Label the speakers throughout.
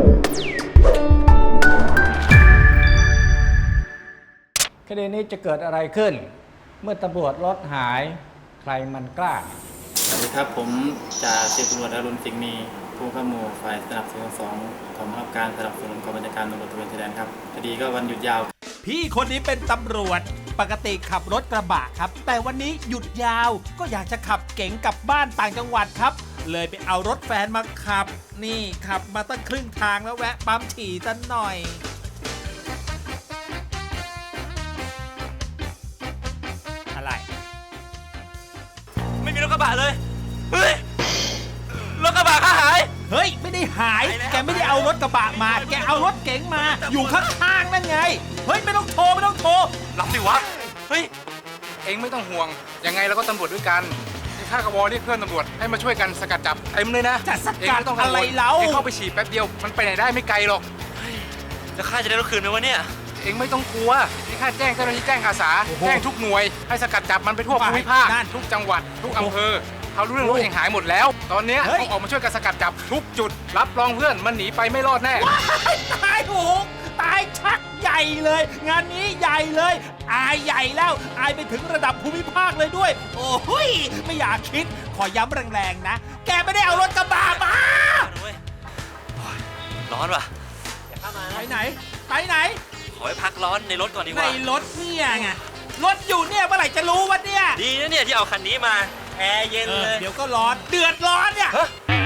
Speaker 1: คดีนี้จะเกิดอะไรขึ้น เมื่อตำรวจรถหายใครมันกล้า
Speaker 2: สวัสดีครับผมจ่าสิบตำรวจอรุณสิงห์มีผู้ข้ามูฝ่ายสนับสนุน2ของบังคับการสนับสนุนกองบัญชาการตำรวจตระเวนชายแดนครับคดีก็วันหยุดยาว
Speaker 3: พี่คนนี้เป็นตำรวจปกติขับรถกระบะครับแต่วันนี้หยุดยาวก็อยากจะขับเก๋งกลับบ้านต่างจังหวัดครับเลยไปเอารถแฟนมาขับนี่ขับมาตั้งครึ่งทางแล้วแวะปั๊มฉี่ซะหน่อยอะไร
Speaker 4: ไม่มีรถกระบะเลย เฮ้ย รถกระบะข้าหาย
Speaker 3: เฮ้ยไม่ได้หายแกไม่ได้เอารถกระบะมาแกเอารถเก๋งมาอยู่ข้างๆนั่นไงเฮ้ยไม่ต้องโทร
Speaker 4: รับดิวะ เฮ้ย
Speaker 5: เองไม่ต้องห่วง ยังไงเราก็ตำรวจด้วยกันที่ข้ากบเรียกเพื่อนตำรวจให้มาช่วยกันสกัดจับเต็มเลยนะ
Speaker 3: จะส
Speaker 5: เอง
Speaker 3: กัด
Speaker 5: ไม่ต้อง
Speaker 3: อะไรเล่า
Speaker 5: เองเข้าไปฉีดแป๊บเดียวมันไปไหนได้ไม่ไกลหรอก
Speaker 4: แล้วข้าจะได้รถคืนไหมวะเนี่ย
Speaker 5: เองไม่ต้องกลัวที่ข้าแจ้งเจ้าหน้าที่แจ้งอาสาแจ้งทุกหน่วยให้สกัดจับมันไปทั่วภูมิภาคทุกจังหวัดทุกอำเภอเขารู้เรื่องรถเองหายหมดแล้ว ตอนนี้ต้องออกมาช่วยกันสกัดจับทุกจุดรับรองเพื่อนมันหนีไปไม่รอดแน่
Speaker 3: ตายโหงตายชักใหญ่เลย งานนี้ใหญ่เลยอายใหญ่แล้วอายไปถึงระดับภูมิภาคเลยด้วย โอ้ยไม่อยากคิดขอย้ำแรงๆนะ แกไม่ได้เอารถกระบะมา
Speaker 4: ร้อนว่ะ
Speaker 3: ไปไหนไปไหน
Speaker 4: ขอไปพักร้อนในรถก่อนดีก
Speaker 3: ใน
Speaker 4: ว่า
Speaker 3: รถเนี่ยไงรถอยู่เนี่ยเมื่อไหร่จะรู้วะเนี่ย
Speaker 4: ดีนะเนี่ยที่เอาคันนี้มา แอร์เย็นเลย
Speaker 3: เดี๋ยวก็ร้อนเดือดร้อนเนี่ย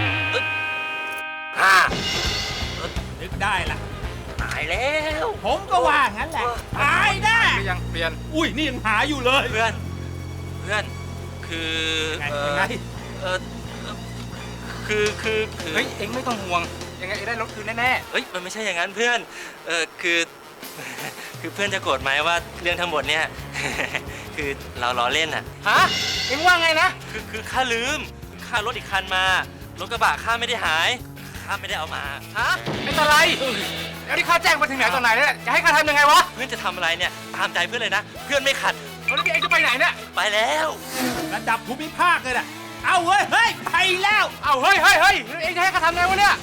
Speaker 4: อ่า
Speaker 3: นึกได้ละ
Speaker 4: ตายแล้ว
Speaker 3: ผมก็ว่างั้นแหละตายแน่
Speaker 5: ไม่ยังเปลี่ยน
Speaker 3: อุ้ยนี่ยังหาอยู่เลย
Speaker 4: เพื่อน คือ
Speaker 3: ยังไง
Speaker 4: เอ่อคือ
Speaker 5: เฮ้ยเองไม่ต้องห่วงยังไงเองได้รถคืนแน่
Speaker 4: เฮ้ย มันไม่ใช่อย่างนั้นเพื่อน คือ คือเพื่อนจะโกรธไหมว่าเรื่องทั้งหมดเนี่ย คือเราล้อเล่นอ่ะ
Speaker 5: ๆฮะเองว่าไงนะ
Speaker 4: คือข้าลืมข้ารถอีกคันมา รถกระบะข้าไม่ได้หาย ข้าไม่ได้เอามา
Speaker 5: ฮะไม่เป็นไรแล้วที่ข้าแจ้งไปถึงไหนตอนไหนเนี่ยจะให้ข้าทำยังไงวะ
Speaker 4: เพื่อนจะทำอะไรเนี่ย ตามใจเพื่อนเลยนะ เพื่อนไม่ขัด
Speaker 5: แล้วเองจะไปไหนเนี่ย
Speaker 4: ไปแล้ว
Speaker 3: ระดับภูมิภาคเลยน่ะเอาเว้ยเฮ้ยไปแล้ว
Speaker 5: เอาเฮ้ยเองจะให้ข้าทำไงวะเนี่ย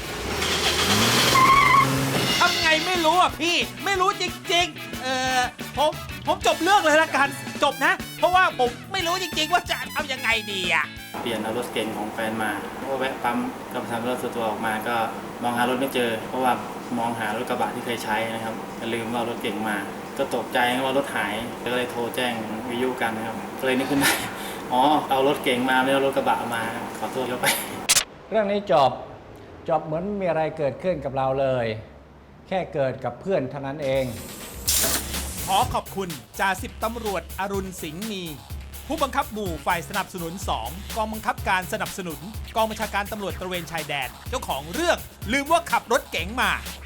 Speaker 3: ทำไงไม่รู้อ่ะพี่ไม่รู้จริงๆผมจบเรื่องเลยละกันจบนะ เพราะว่าผมไม่รู้จริงๆว่าจะทำยังไงดีอ่ะ
Speaker 2: เปลี่ยนเอารถเก๋งของแฟนมาก็แวะปั๊มก็ทำรถส่วนตัวออกมาก็มองหารถไม่เจอ เพราะว่ามองหารถกระบะที่เคยใช้นะครับก็ลืมว่ารถเก๋งมา ก็ตกใจว่ารถหายก็เลยโทรแจ้งวิทยุกันนะครับก็เลยนึกขึ้นได้อ๋อเอารถเก๋งมาไม่เอารถกระบะมาขอโทษเขาไป
Speaker 1: เรื่องนี้จบเหมือนไม่มีอะไรเกิดขึ้นกับเราเลย แค่เกิดกับเพื่อนเท่านั้นเอง
Speaker 3: ขอขอบคุณจ่าสิบตำรวจอรุณสิงห์มี ผู้บังคับหมู่ฝ่ายสนับสนุน 2 กองบังคับการสนับสนุน กองบัญชาการตำรวจตระเวนชายแดน เจ้าของเรื่องลืมว่าขับรถเก๋งมา